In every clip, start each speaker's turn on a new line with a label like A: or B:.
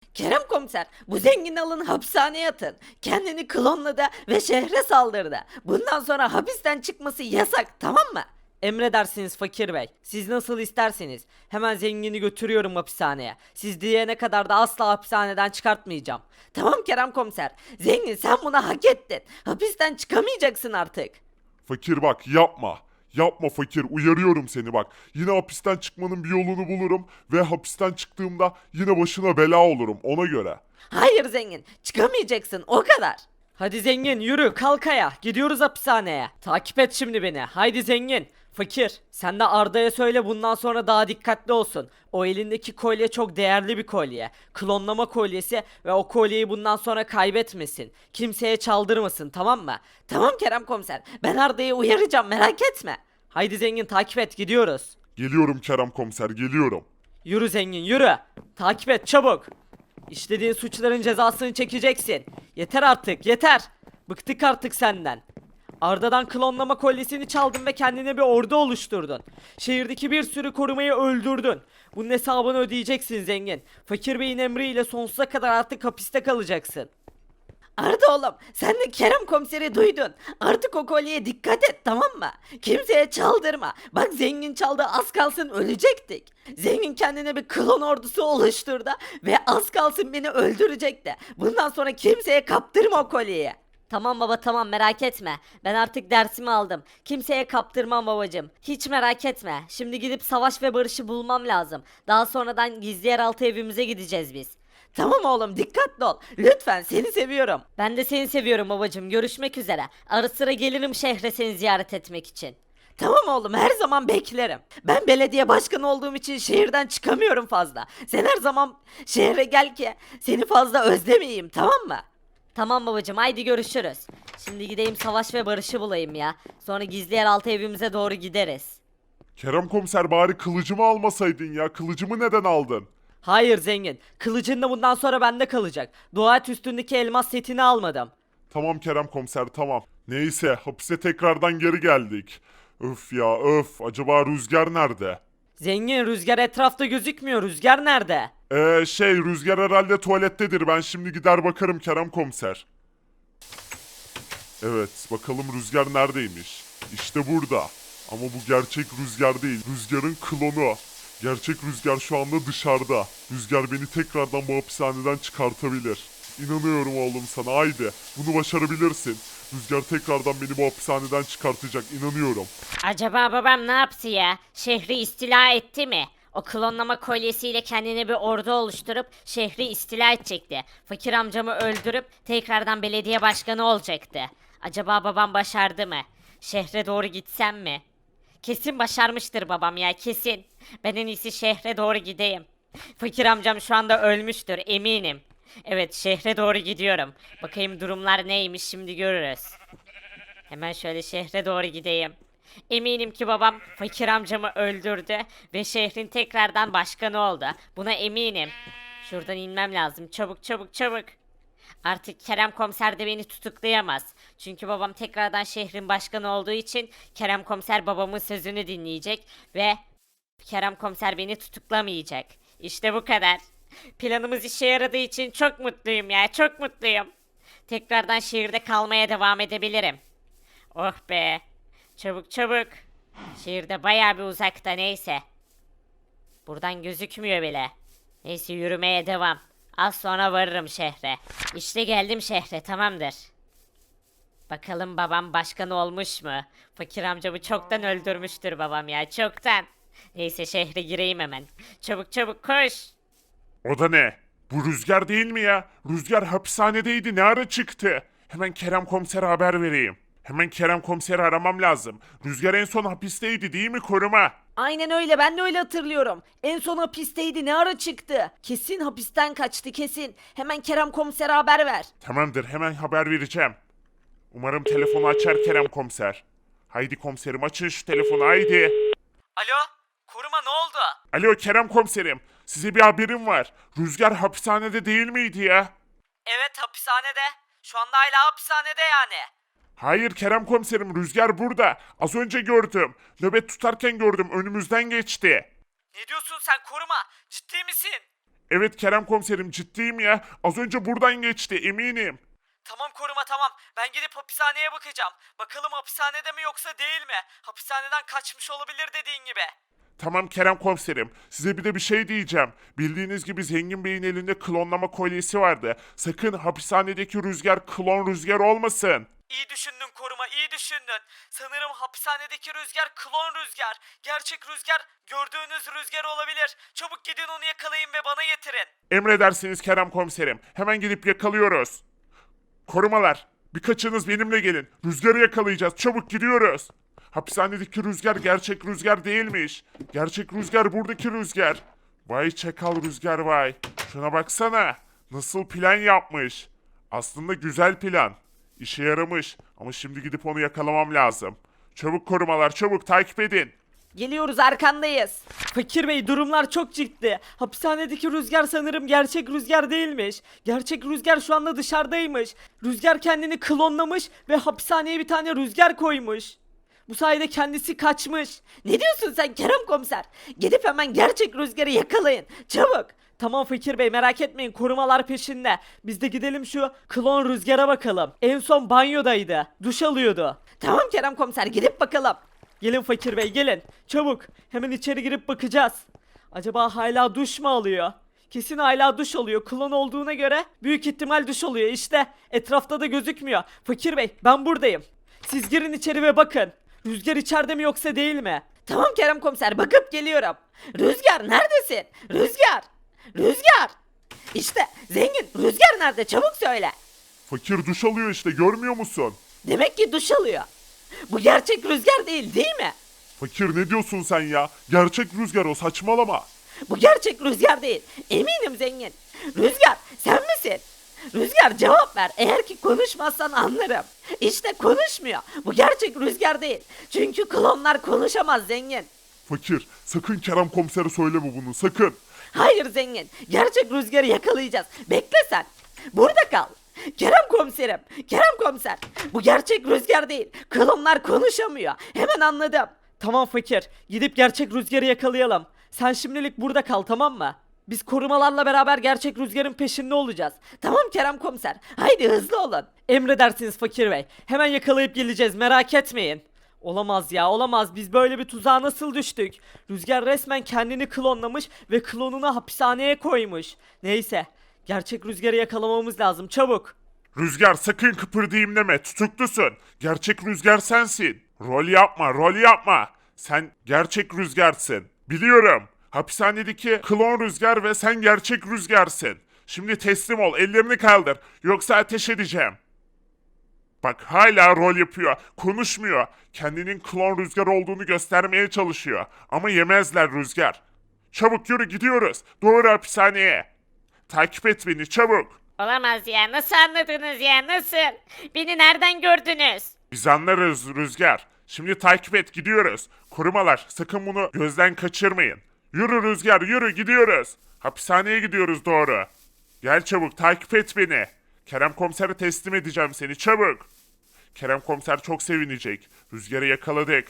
A: Kerem komiser, bu zengin alın hapishaneye atın. Kendini klonladı ve şehre saldırdı. Bundan sonra hapisten çıkması yasak, tamam mı? Emredersiniz fakir bey. Siz nasıl isterseniz. Hemen zengini götürüyorum hapishaneye. Siz diyene kadar da asla hapishaneden çıkartmayacağım. Tamam Kerem komiser. Zengin sen bunu hak ettin. Hapisten çıkamayacaksın artık.
B: Fakir bak yapma. Yapma fakir, uyarıyorum seni bak. Yine hapisten çıkmanın bir yolunu bulurum ve hapisten çıktığımda yine başına bela olurum ona göre.
A: Hayır zengin, çıkamayacaksın o kadar. Hadi zengin yürü kalk ayağa. Gidiyoruz hapishaneye. Takip et şimdi beni. Haydi zengin. Fakir, sen de Arda'ya söyle bundan sonra daha dikkatli olsun. O elindeki kolye çok değerli bir kolye. Klonlama kolyesi ve o kolyeyi bundan sonra kaybetmesin. Kimseye çaldırmasın, tamam mı? Tamam Kerem komiser. Ben Arda'yı uyaracağım, merak etme. Haydi zengin takip et, gidiyoruz.
B: Geliyorum Kerem komiser, geliyorum.
A: Yürü zengin yürü. Takip et çabuk. İşlediğin suçların cezasını çekeceksin. Yeter artık yeter. Bıktık artık senden. Arda'dan klonlama kolyesini çaldın ve kendine bir ordu oluşturdun. Şehirdeki bir sürü korumayı öldürdün. Bunun hesabını ödeyeceksin zengin. Fakir Bey'in emriyle sonsuza kadar artık hapiste kalacaksın. Arda oğlum sen de Kerem komiseri duydun. Artık o kolyeye dikkat et, tamam mı? Kimseye çaldırma. Bak zengin çaldı, az kalsın ölecektik. Zengin kendine bir klon ordusu oluşturdu ve az kalsın beni öldürecekti. Bundan sonra kimseye kaptırma o kolyeyi. Tamam baba tamam merak etme. Ben artık dersimi aldım. Kimseye kaptırmam babacım. Hiç merak etme. Şimdi gidip Savaş ve Barış'ı bulmam lazım. Daha sonradan gizli yeraltı evimize gideceğiz biz. Tamam oğlum dikkatli ol. Lütfen seni seviyorum. Ben de seni seviyorum babacım. Görüşmek üzere. Ara sıra gelirim şehre seni ziyaret etmek için. Tamam oğlum her zaman beklerim. Ben belediye başkanı olduğum için şehirden çıkamıyorum fazla. Sen her zaman şehre gel ki seni fazla özlemeyeyim, tamam mı? Tamam babacım haydi görüşürüz. Şimdi gideyim Savaş ve Barış'ı bulayım ya. Sonra gizli yeraltı evimize doğru gideriz.
B: Kerem komiser bari kılıcımı almasaydın ya, kılıcımı neden aldın?
A: Hayır zengin. Kılıcın da bundan sonra bende kalacak. Dua et üstündeki elmas setini almadım.
B: Tamam Kerem komiser tamam. Neyse hapise tekrardan geri geldik. Öf ya öf, acaba Rüzgar nerede?
A: Zengin Rüzgar etrafta gözükmüyor. Rüzgar nerede?
B: Rüzgar herhalde tuvalettedir, ben şimdi gider bakarım Kerem komiser. Evet bakalım Rüzgar neredeymiş? İşte burada. Ama bu gerçek Rüzgar değil, Rüzgar'ın klonu. Gerçek Rüzgar şu anda dışarıda. Rüzgar beni tekrardan bu hapishaneden çıkartabilir. İnanıyorum oğlum sana, haydi. Bunu başarabilirsin. Rüzgar tekrardan beni bu hapishaneden çıkartacak, inanıyorum.
C: Acaba babam ne yaptı ya? Şehri istila etti mi? O klonlama kolyesiyle kendine bir ordu oluşturup şehri istila edecekti. Fakir amcamı öldürüp tekrardan belediye başkanı olacaktı. Acaba babam başardı mı? Şehre doğru gitsem mi? Kesin başarmıştır babam ya kesin. Ben en iyisi şehre doğru gideyim. Fakir amcam şu anda ölmüştür eminim. Evet şehre doğru gidiyorum. Bakayım durumlar neymiş şimdi görürüz. Hemen şöyle şehre doğru gideyim. Eminim ki babam fakir amcamı öldürdü ve şehrin tekrardan başkanı oldu. Buna eminim. Şuradan inmem lazım. Çabuk çabuk çabuk. Artık Kerem komiser de beni tutuklayamaz. Çünkü babam tekrardan şehrin başkanı olduğu için Kerem komiser babamın sözünü dinleyecek ve Kerem komiser beni tutuklamayacak. İşte bu kadar. Planımız işe yaradığı için çok mutluyum ya, çok mutluyum. Tekrardan şehirde kalmaya devam edebilirim. Oh be. Çabuk çabuk. Şehirde bayağı bir uzakta neyse. Buradan gözükmüyor bile. Neyse yürümeye devam. Az sonra varırım şehre. İşte geldim şehre tamamdır. Bakalım babam başkan olmuş mu? Fakir amcamı çoktan öldürmüştür babam ya çoktan. Neyse şehre gireyim hemen. Çabuk çabuk koş.
B: O da ne? Bu Rüzgar değil mi ya? Rüzgar hapishanedeydi, ne ara çıktı? Hemen Kerem komisere haber vereyim. Hemen Kerem komiseri aramam lazım. Rüzgar en son hapisteydi değil mi, koruma?
A: Aynen öyle, ben de öyle hatırlıyorum. En son hapisteydi, ne ara çıktı? Kesin hapisten kaçtı kesin. Hemen Kerem komisere haber ver.
B: Tamamdır, hemen haber vereceğim. Umarım telefonu açar Kerem komiser. Haydi komiserim, açın şu telefonu haydi.
A: Alo, koruma ne oldu?
B: Alo Kerem komiserim, size bir haberim var. Rüzgar hapishanede değil miydi ya?
A: Evet hapishanede. Şu anda hala hapishanede yani.
B: Hayır Kerem komiserim, Rüzgar burada. Az önce gördüm. Nöbet tutarken gördüm, önümüzden geçti.
A: Ne diyorsun sen koruma? Ciddi misin?
B: Evet Kerem komiserim ciddiyim ya. Az önce buradan geçti eminim.
A: Tamam koruma tamam. Ben gidip hapishaneye bakacağım. Bakalım hapishanede mi yoksa değil mi? Hapishaneden kaçmış olabilir dediğin gibi.
B: Tamam Kerem komiserim. Size bir de bir şey diyeceğim. Bildiğiniz gibi Zengin Bey'in elinde klonlama kolyesi vardı. Sakın hapishanedeki Rüzgar klon Rüzgar olmasın.
A: İyi düşündün koruma, iyi düşündün. Sanırım hapishanedeki Rüzgar klon Rüzgar. Gerçek Rüzgar gördüğünüz Rüzgar olabilir. Çabuk gidin onu yakalayın ve bana getirin.
B: Emredersiniz Kerem komiserim. Hemen gidip yakalıyoruz. Korumalar, birkaçınız benimle gelin. Rüzgarı yakalayacağız. Çabuk gidiyoruz. Hapishanedeki Rüzgar gerçek Rüzgar değilmiş. Gerçek Rüzgar buradaki Rüzgar. Vay çakal Rüzgar vay. Şuna baksana. Nasıl plan yapmış. Aslında güzel plan. İşe yaramış. Ama şimdi gidip onu yakalamam lazım. Çabuk korumalar, çabuk takip edin.
A: Geliyoruz arkandayız. Fakir Bey durumlar çok ciddi. Hapishanedeki Rüzgar sanırım gerçek Rüzgar değilmiş. Gerçek Rüzgar şu anda dışarıdaymış. Rüzgar kendini klonlamış ve hapishaneye bir tane Rüzgar koymuş. Bu sayede kendisi kaçmış. Ne diyorsun sen Kerem Komiser? Gidip hemen gerçek Rüzgar'ı yakalayın. Çabuk. Tamam Fakir Bey merak etmeyin korumalar peşinde. Biz de gidelim şu klon Rüzgar'a bakalım. En son banyodaydı. Duş alıyordu. Tamam Kerem Komiser gidip bakalım. Gelin Fakir Bey gelin. Çabuk. Hemen içeri girip bakacağız. Acaba hala duş mu alıyor? Kesin hala duş alıyor. Klon olduğuna göre büyük ihtimal duş alıyor. İşte etrafta da gözükmüyor. Fakir Bey ben buradayım. Siz girin içeri ve bakın. Rüzgar içeride mi yoksa değil mi? Tamam Kerem Komiser bakıp geliyorum. Rüzgar neredesin? Rüzgar! Rüzgar! İşte zengin Rüzgar nerede çabuk söyle.
B: Fakir duş alıyor işte görmüyor musun?
A: Demek ki duş alıyor. Bu gerçek Rüzgar değil mi?
B: Fakir ne diyorsun sen ya? Gerçek Rüzgar o saçmalama.
A: Bu gerçek Rüzgar değil. Eminim zengin. Rüzgar sen misin? Rüzgar cevap ver. Eğer ki konuşmazsan anlarım. İşte konuşmuyor. Bu gerçek Rüzgar değil. Çünkü klonlar konuşamaz zengin.
B: Fakir sakın Kerem komisere söyleme bunu sakın.
A: Hayır zengin. Gerçek Rüzgar'ı yakalayacağız. Bekle sen. Burada kal. Kerem komiserim. Kerem komiser. Bu gerçek Rüzgar değil. Klonlar konuşamıyor. Hemen anladım. Tamam fakir. Gidip gerçek Rüzgar'ı yakalayalım. Sen şimdilik burada kal tamam mı? Biz korumalarla beraber gerçek Rüzgar'ın peşinde olacağız. Tamam Kerem komiser. Haydi hızlı olun. Emredersiniz fakir bey. Hemen yakalayıp geleceğiz merak etmeyin. Olamaz ya olamaz biz böyle bir tuzağa nasıl düştük? Rüzgar resmen kendini klonlamış ve klonunu hapishaneye koymuş. Neyse gerçek Rüzgar'ı yakalamamız lazım çabuk.
B: Rüzgar sakın kıpırdayım deme tutuklusun. Gerçek Rüzgar sensin. Rol yapma rol yapma. Sen gerçek Rüzgarsın. Biliyorum. Hapishanedeki klon Rüzgar ve sen gerçek Rüzgarsın. Şimdi teslim ol ellerini kaldır. Yoksa ateş edeceğim. Bak hala rol yapıyor. Konuşmuyor. Kendinin klon Rüzgar olduğunu göstermeye çalışıyor. Ama yemezler Rüzgar. Çabuk yürü gidiyoruz. Doğru hapishaneye. Takip et beni çabuk.
C: Olamaz ya. Nasıl anladınız ya? Nasıl? Beni nereden gördünüz?
B: Biz anlarız Rüzgar. Şimdi takip et gidiyoruz. Korumalar sakın bunu gözden kaçırmayın. Yürü Rüzgar yürü gidiyoruz. Hapishaneye gidiyoruz doğru. Gel çabuk takip et beni. Kerem komisere teslim edeceğim seni çabuk. Kerem komiser çok sevinecek. Rüzgar'ı yakaladık.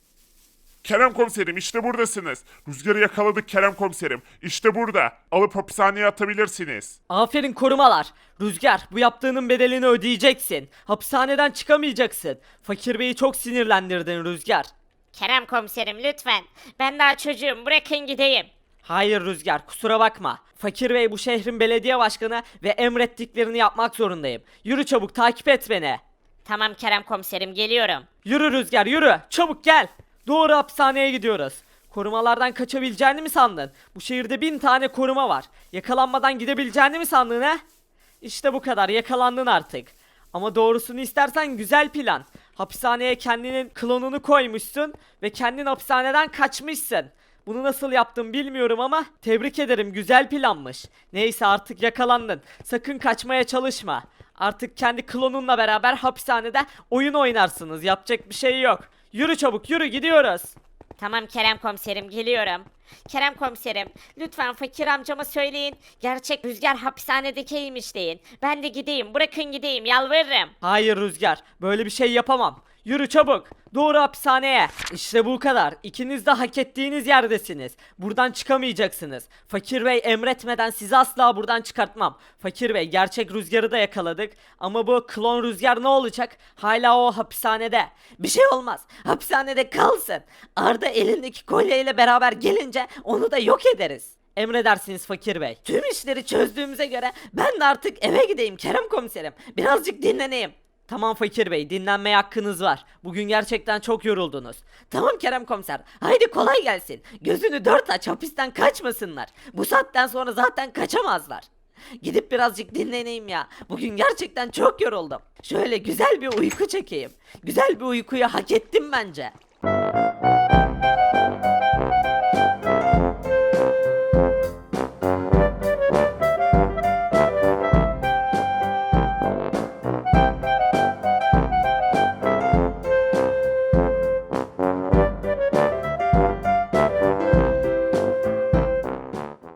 B: Kerem komiserim işte buradasınız. Rüzgar'ı yakaladık Kerem komiserim. İşte burada. Alıp hapishaneye atabilirsiniz.
A: Aferin korumalar. Rüzgar bu yaptığının bedelini ödeyeceksin. Hapishaneden çıkamayacaksın. Fakir Bey'i çok sinirlendirdin Rüzgar.
C: Kerem komiserim lütfen. Ben daha çocuğum. Bırakın gideyim.
A: Hayır Rüzgar kusura bakma. Fakir Bey bu şehrin belediye başkanı ve emrettiklerini yapmak zorundayım. Yürü çabuk takip et beni.
C: Tamam Kerem komiserim geliyorum.
A: Yürü Rüzgar yürü çabuk gel. Doğru hapishaneye gidiyoruz. Korumalardan kaçabileceğini mi sandın? Bu şehirde 1000 tane koruma var. Yakalanmadan gidebileceğini mi sandın he? İşte bu kadar yakalandın artık. Ama doğrusunu istersen güzel plan. Hapishaneye kendinin klonunu koymuşsun ve kendin hapishaneden kaçmışsın. Bunu nasıl yaptın bilmiyorum ama tebrik ederim güzel planmış. Neyse artık yakalandın. Sakın kaçmaya çalışma. Artık kendi klonunla beraber hapishanede oyun oynarsınız. Yapacak bir şey yok. Yürü çabuk yürü gidiyoruz.
C: Tamam Kerem komiserim geliyorum. Kerem komiserim lütfen fakir amcama söyleyin. Gerçek Rüzgar hapishanedekiymiş deyin. Ben de gideyim bırakın gideyim yalvarırım.
A: Hayır Rüzgar böyle bir şey yapamam. Yürü çabuk. Doğru hapishaneye. İşte bu kadar. İkiniz de hak ettiğiniz yerdesiniz. Buradan çıkamayacaksınız. Fakir Bey emretmeden sizi asla buradan çıkartmam. Fakir Bey, gerçek Rüzgar'ı da yakaladık. Ama bu klon Rüzgar ne olacak? Hala o hapishanede. Bir şey olmaz. Hapishanede kalsın. Arda elindeki kolyeyle beraber gelince onu da yok ederiz. Emredersiniz Fakir Bey. Tüm işleri çözdüğümüze göre ben de artık eve gideyim Kerem komiserim. Birazcık dinleneyim. Tamam Fakir Bey, dinlenmeye hakkınız var. Bugün gerçekten çok yoruldunuz. Tamam Kerem komiser, haydi kolay gelsin. Gözünü dört aç, hapisten kaçmasınlar. Bu saatten sonra zaten kaçamazlar. Gidip birazcık dinleneyim ya. Bugün gerçekten çok yoruldum. Şöyle güzel bir uyku çekeyim. Güzel bir uykuyu hak ettim bence.